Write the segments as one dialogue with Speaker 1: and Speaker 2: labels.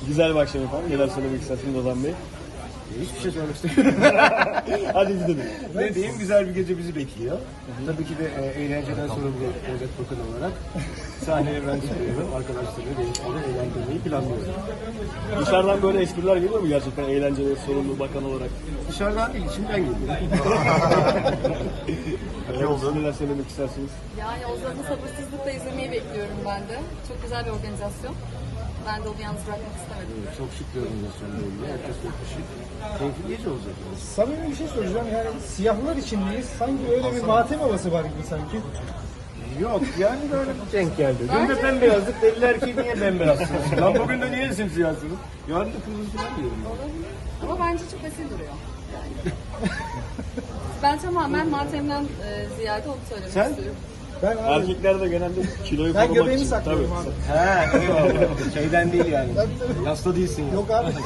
Speaker 1: Güzel bir akşam efendim. Neler söylemek istersiniz Ozan Bey?
Speaker 2: Hiçbir şey söylemek istemiyorum.
Speaker 1: Hadi gidelim.
Speaker 2: Ne diyeyim, güzel bir gece bizi bekliyor. Tabii ki de eğlenceden sonra bir Özet Bakan olarak sahneye ben çıkıyorum. Arkadaşlarımla birlikte eğlendirmeyi planlıyorum.
Speaker 1: Dışarıdan böyle espriler geliyor mu gerçekten eğlenceli, sorumlu bakan olarak?
Speaker 2: Dışarıdan değil, içimden geliyor.
Speaker 1: Siz neler söylemek istersiniz?
Speaker 3: Yani Ozan'ı sabırsızlıkla izlemeyi bekliyorum ben de. Çok güzel bir organizasyon. Ben de onu yalnız bırakmak istemedim.
Speaker 2: Çok şık bir organizasyon böyle. Herkes çok şık. Keyifli gece olacak.
Speaker 4: Samimi bir şey soracağım. Yani siyahlar içindeyiz. Sanki öyle bir matem havası var gibi sanki.
Speaker 2: Yok yani böyle denk geldi. Dün de bembeyazdık, dediler ki niye bembeyazsınız? Lan bugün de niye simsiyahsınız? Yarın da kırmızı falan diyorum.
Speaker 3: Olabilir. Ama bence çok esil duruyor. Yani. Ben tamamen matemden ziyade onu söylemek
Speaker 2: Sen?
Speaker 3: istiyorum.
Speaker 4: Ben abi,
Speaker 1: Erkekler de genelde kiloyu
Speaker 4: ben
Speaker 1: korumak
Speaker 4: göbeğimi
Speaker 1: için.
Speaker 4: saklıyorum
Speaker 1: Tabii.
Speaker 4: abi.
Speaker 2: He, eyvallah. Şeyden değil yani.
Speaker 4: Tabii.
Speaker 2: Yasta değilsin ya.
Speaker 4: Yok abi.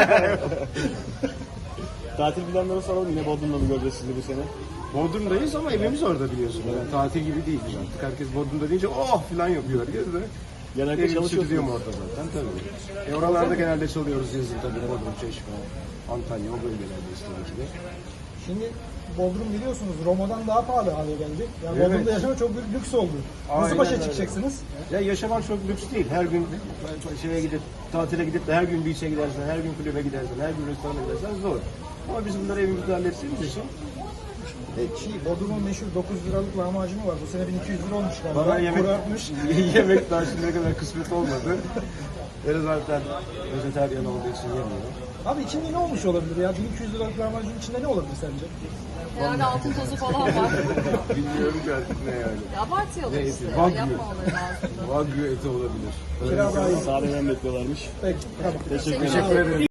Speaker 1: Tatil planları soralım. Yine Bodrum'da mı göreceğiz sizi bu sene?
Speaker 2: Bodrum'dayız ama evimiz orada biliyorsun. Yani tatil gibi değil. Artık herkes Bodrum'da deyince oh falan yapıyor herkes de.
Speaker 1: Genelde
Speaker 2: Evimiz
Speaker 1: çalışıyorsunuz.
Speaker 2: stüdyom orada zaten tabii. Oralarda genelde çalıyoruz yazın tabii. Bodrum, Çeşme, Antalya o bölgelerde tabii ki de.
Speaker 4: Şimdi Bodrum biliyorsunuz Roma'dan daha pahalı hale geldi. Yani
Speaker 2: Evet.
Speaker 4: Bodrum'da yaşamak çok büyük lüks oldu. Nasıl
Speaker 2: Aynen
Speaker 4: başa
Speaker 2: öyle.
Speaker 4: çıkacaksınız?
Speaker 2: Ya yaşamak çok lüks değil. Her gün şeye gidip tatile gidip de her gün beach'e gidersen, her gün kulübe gidersen, her gün restorana gidersen zor. Ama biz bunları evimizde hallettiğimiz için
Speaker 4: Bodrum'un meşhur 9 liralık lahmacunu var. Bu sene 1200 lira olmuş galiba.
Speaker 2: bana yemek,
Speaker 4: Kuru artmış.
Speaker 2: yemek daha şimdiye kadar kısmet olmadı. Ben zaten vejetaryen olduğu için yemiyorum.
Speaker 4: Abi içinde ne olmuş olabilir ya? 1200 liralık lahmacunun içinde ne olabilir sence?
Speaker 3: Herhalde altın tozu falan var.
Speaker 2: Bilmiyorum ki artık ne yani.
Speaker 3: Ya abartıyorlar
Speaker 2: Ne
Speaker 3: işte.
Speaker 2: eti?
Speaker 3: Ya,
Speaker 2: Wagyu.
Speaker 3: yapmamaları lazım.
Speaker 2: Wagyu eti olabilir.
Speaker 4: Kira daha iyi.
Speaker 1: Sahneden bekliyorlarmış.
Speaker 4: Peki, tamam.
Speaker 1: Teşekkür ederim.
Speaker 2: Teşekkür ederim.